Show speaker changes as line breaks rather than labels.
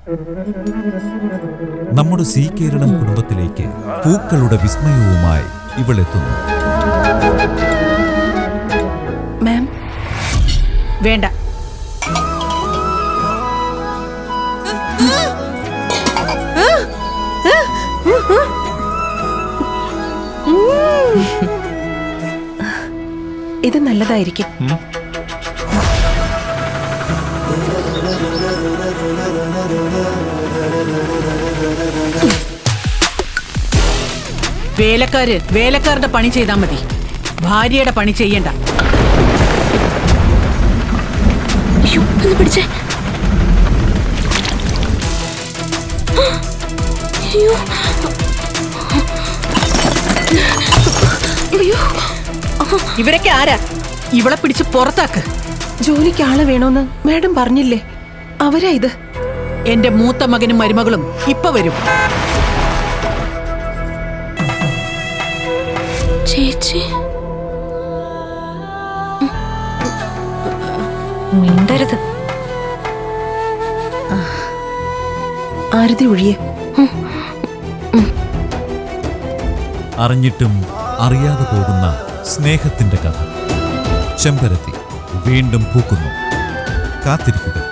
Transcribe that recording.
നമ്മുടെ സി കേരളം കുടുംബത്തിലേക്ക് പൂക്കളുടെ വിസ്മയവുമായി ഇവളെത്തുന്നു.
മാം,
വേണ്ട.
ഇത് നല്ലതായിരിക്കും.
വേലക്കാരുടെ പണി ചെയ്താൽ മതി, ഭാര്യയുടെ പണി ചെയ്യണ്ട.
പിടിച്ചേ.
ഇവരൊക്കെ ആരാ? ഇവളെ പിടിച്ച് പുറത്താക്ക്.
ജോലിക്ക് ആളെ വേണോന്ന് മാഡം പറഞ്ഞില്ലേ? അവരാ ഇത്.
എന്റെ മൂത്ത മകനും മരുമകളും ഇപ്പൊ വരും.
ചേച്ചി മിണ്ടരുത്. ആരതി ഒഴിയെ.
അറിഞ്ഞിട്ടും അറിയാതെ പോകുന്ന സ്നേഹത്തിന്റെ കഥ. ചെമ്പരത്തി വീണ്ടും പൂക്കുന്നു. കാത്തിരിക്കുക.